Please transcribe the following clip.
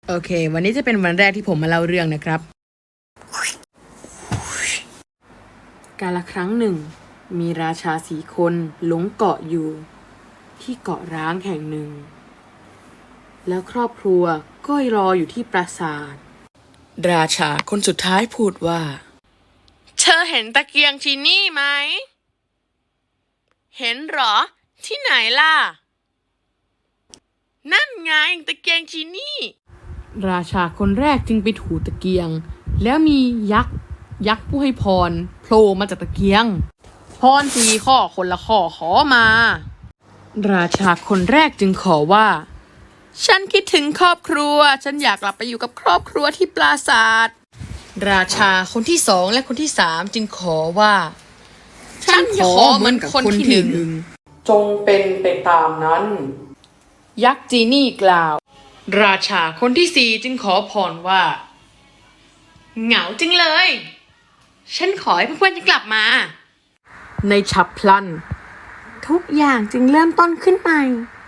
โอเค วันนี้จะเป็นวันแรกที่ผมมาเล่าเรื่องนะครับ กาลครั้งหนึ่งมีราชา4 คนหลงเกาะอยู่ที่เกาะร้างแห่งหนึ่งแล้วครอบครัวก็รออยู่ที่ปราสาทราชาคนสุดท้ายพูดว่าเธอเห็นตะเกียงที่นี่ไหมเห็นหรอที่ไหนล่ะนั่นไงตะเกียงที่นี่ราชาคนแรกจึงไปถูตะเกียงแล้วมียักษ์ผู้ให้พรโผล่มาจากตะเกียงพร4 ข้อคนละข้อขอมาราชาคนแรกจึงขอว่าฉันคิดถึงครอบครัวฉันอยากกลับไปอยู่กับครอบครัวที่ปราสาทราชาคนที่ 2และคนที่ 3จึงขอว่าฉันขอเหมือนคนที่ 1จงเป็นไปตามนั้นยักษ์จีนี่กล่าวราชาคนที่ 4จึงขอพรว่าเหงาจริงเลยฉันขอให้เพื่อนๆกลับมาในฉับพลันทุกอย่างจึงเริ่มต้นขึ้นใหม่